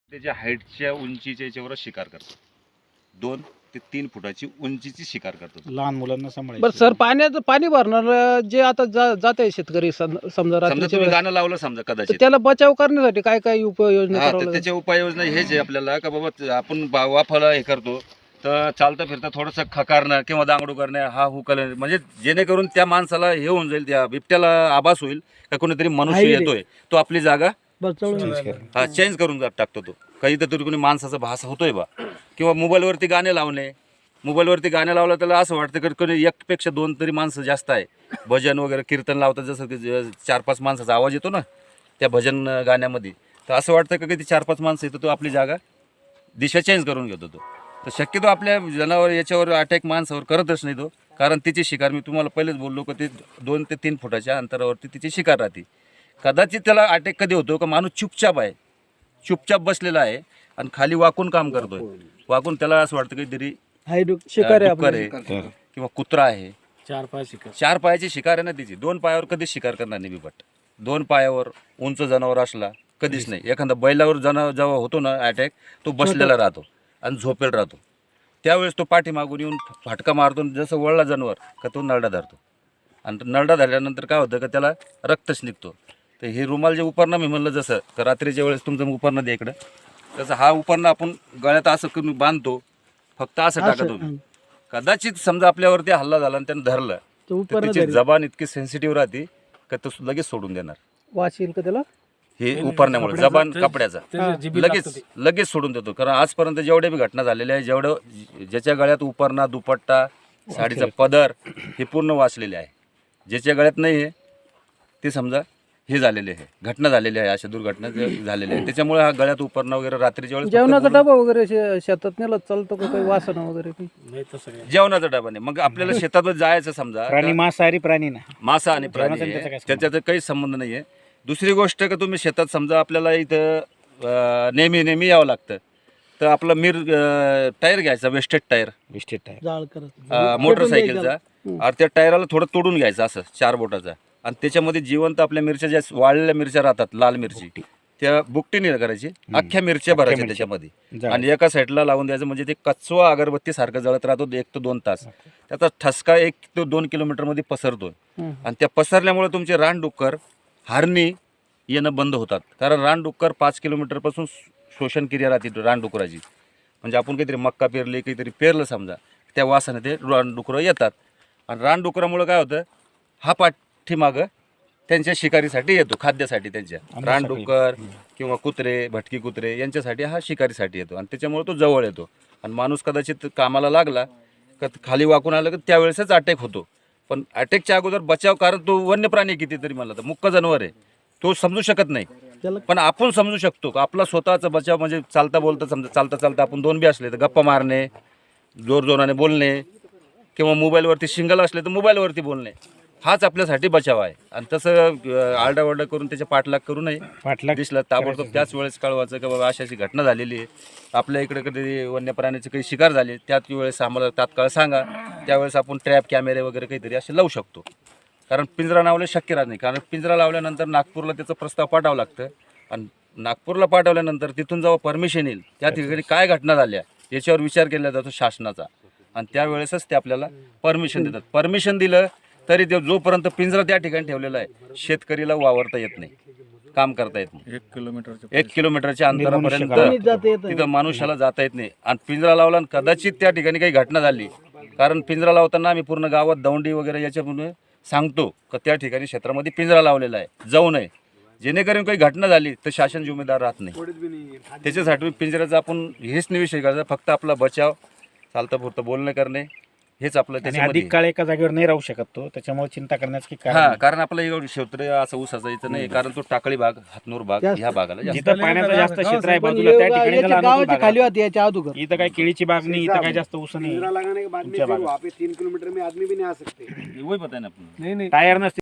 त्याच्या हाईटच्या उंचीच्या याच्यावर शिकार करतात. 2 ते 3 फुटाची उंचीची शिकार करतात. लहान मुलांना सांभाळायचं. बरं सर, पाण्याचं पाणी भरणार जे आता जात आहे शेतकरी समजा समजा रात्रीच्या तुम्ही वेळेस, गाणं लावलं समजा तर कदाचित, त्याला बचाव करण्यासाठी काय काय उपाययोजना हा करावं तर लागेल? त्याच्या उपाययोजना हेच आहे आपल्याला का बाबा आपण वाफाला हे करतो तर चालता फिरता थोडंसं खकारणं किंवा दांगडू करणं, हा हुकल, म्हणजे जेणेकरून त्या माणसाला हे होऊन जाईल, त्या बिबट्याला आभास होईल का कोणीतरी मनुष्य येतोय, तो आपली जागा चेंज करून टाकतो. तो काहीतरी कोणी माणसाचा भास होतोय बा. किंवा मोबाईलवरती गाणे लावणे, मोबाईलवरती गाणे लावलं त्याला असं वाटतं की कोणी एकपेक्षा 2 तरी माणसं जास्त आहे. भजन वगैरे कीर्तन लावतात, जसं की 4-5 माणसाचा आवाज येतो ना त्या भजन गाण्यामध्ये, तर असं वाटतं की ते 4-5 माणसं येतो, तो आपली जागा दिशा चेंज करून घेतो. तो तर शक्यतो आपल्या जनावर याच्यावर अटॅक माणसावर करतच नाही तो, कारण तिची शिकार मी तुम्हाला पहिलेच बोललो की ते 2 ते 3 फुटाच्या अंतरावरती तिची शिकार राहते. कदाचित त्याला अटॅक कधी होतो का माणूस चुपचाप आहे, चुपचाप बसलेला आहे आणि खाली वाकून काम करतोय. वाकून त्याला असं वाटतं काहीतरी शिकार आहे डुक्कर आहे किंवा कुत्रा आहे. 4 पायाची शिकार आहे ना तिची. 2 पायावर कधीच शिकार करणार नाही बिबट. 2 पायावर उंच जनावर असला कधीच नाही. एखादा बैलावर जेव्हा होतो ना अटॅक, तो बसलेला राहतो आणि झोपेल राहतो. त्यावेळेस तो पाठीमागून येऊन फाटका मारतो, जसं वळला जनावर का तो नरडा धरतो. आणि नरडा धरल्यानंतर काय होतं का त्याला रक्तच निघतो. तर हे रुमाल जे उपरणं मी म्हणलं, जसं का रात्रीच्या वेळेस तुमचं उपरणं द्या इकडं, तसं हा उपरणं आपण गळ्यात असं करून बांधतो, फक्त असं टाका तुम्ही. कदाचित समजा आपल्यावरती हल्ला झाला आणि त्यानं धरलं तर त्याची जबान इतकी सेन्सिटिव्ह राहते का तो लगेच सोडून देणार. वाचील का त्याला हे उपरण्यामुळे जबान कपड्याचा लगेच सोडून देतो. कारण आजपर्यंत जेवढ्या बी घटना झालेल्या आहे, ज्याच्या गळ्यात उपरणा, दुपट्टा, साडीचा पदर हे पूर्ण वाचलेले आहे. ज्याच्या गळ्यात नाही आहे ते समजा हे झालेले आहे, घटना झालेली आहे, अशा दुर्घटना झालेल्या आहे. त्याच्यामुळे हा गळ्यात उपरणं वगैरे रात्रीच्या वेळेस जेवणाचा डबा वगैरे शेतात नेला चालतो का, काही वासना वगैरे जेवणाचा डबा नाही. मग आपल्याला शेतात जायचं समजा, प्राणी मांसाहारी प्राणी ना, मासा आणि प्राणी आहे, त्याच्यात काही संबंध नाही आहे. दुसरी गोष्ट का तुम्ही शेतात समजा आपल्याला इथं नेहमी यावं लागतं, तर आपला टायर घ्यायचा, वेस्टेड टायर मोटरसायकलचा, आणि त्या टायराला थोडं तोडून घ्यायचं असं 4 बोटाचा, आणि त्याच्यामध्ये जिवंत आपल्या मिरच्या, ज्या वाळलेल्या मिरच्या राहतात, लाल मिरची, त्या बुकटीने करायची, अख्ख्या मिरच्या भरायच्या त्याच्यामध्ये आणि एका साईडला लावून द्यायचं. म्हणजे ते कचवा अगरबत्ती सारखं जळत राहतो 1 ते 2 तास. त्याचा ठसका 1 ते 2 किलोमीटरमध्ये पसरतो आणि त्या पसरल्यामुळे तुमचे रानडुक्कर, हरणी येणं बंद होतात. कारण रानडुक्कर 5 किलोमीटरपासून शोषण क्रिया राहते रानडुकराची. म्हणजे आपण काहीतरी मक्का पेरली, काहीतरी पेरलं समजा, त्या वासाने ते रानडुकरं येतात. आणि रानडुकरामुळे काय होतं, हा पाठीमागं त्यांच्या शिकारीसाठी येतो, खाद्यासाठी. त्यांच्या रानडुक्कर किंवा कुत्रे, भटकी कुत्रे यांच्यासाठी हा शिकारीसाठी येतो आणि त्याच्यामुळे तो जवळ येतो. आणि माणूस कदाचित कामाला लागला का खाली वाकून आलं की त्यावेळेसच अटॅक होतो. पण अटॅकच्या अगोदर बचाव, कारण तो वन्य प्राणी कितीतरी म्हणला तर मुक्क जनावर आहे, तो समजू शकत नाही. पण आपण समजू शकतो का आपला स्वतःचा बचाव. म्हणजे चालता बोलता समजा, चालता आपण 2 बी असले तर गप्पा मारणे, जोराने बोलणे, किंवा मोबाईलवरती सिंगल असले तर मोबाईलवरती बोलणे, हाच आपल्यासाठी बचाव आहे. आणि तसं आरडाओरडा करून त्याच्या पाठलाग करू नये. दिसलं ताबडतोब त्याच वेळेस कळवायचं की बाबा अशी घटना झालेली आहे, आपल्या इकडे कधी वन्य प्राण्याची काही शिकार झाली, त्याच वेळेस आम्हाला तात्काळ सांगा. त्यावेळेस आपण ट्रॅप कॅमेरे वगैरे काहीतरी असे लावू शकतो. कारण पिंजरा लावले शक्य राहत नाही. कारण पिंजरा लावल्यानंतर नागपूरला त्याचा प्रस्ताव पाठवावं लागतं आणि नागपूरला पाठवल्यानंतर तिथून जेव्हा परमिशन येईल, त्या ठिकाणी काय घटना झाल्या याच्यावर विचार केला जातो शासनाचा, आणि त्यावेळेसच ते आपल्याला परमिशन देतात. परमिशन दिलं तरी ते जोपर्यंत पिंजरा त्या ठिकाणी ठेवलेला आहे, शेतकरीला वावरता येत नाही, काम करता येत नाही. 1 किलोमीटरच्या अंतरापर्यंत तिथं मनुष्याला जाता येत नाही. आणि पिंजरा लावला आणि कदाचित त्या ठिकाणी काही घटना झाली, कारण पिंजरा लावताना आम्ही पूर्ण गावात दौंडी वगैरे याच्यामुळे सांगतो का त्या ठिकाणी क्षेत्रामध्ये पिंजरा लावलेला आहे, जाऊ नये. जेणेकरून काही घटना झाली तर शासन जिम्मेदार राहत नाही. त्याच्यासाठी पिंजऱ्याचा आपण हेच नाही विषय करायचा, फक्त आपला बचाव, चालतं पुरतं बोलणं करणे, हेच आपलं. त्याच्यामध्ये अधिक काळ एका जागेवर नाही राहू शकत तो, त्याच्यामुळे चिंता करण्याचं की हा, कारण आपलं एवढं क्षेत्र असं ऊसाचं यायचं नाही, कारण तो टाकळी भाग, हातनूर भाग ह्या भागाला जिथं पाण्याचं जास्त क्षेत्र आहे बाजूला, त्या ठिकाणी खाली होती याच्या अगोदर. इथं काही केळीची बाग नाही, इथं काही जास्त ऊस नाही. 3 किलोमीटर में आदमी भी नहीं आ सकते. वही पता है ना आपण. टायर नसते.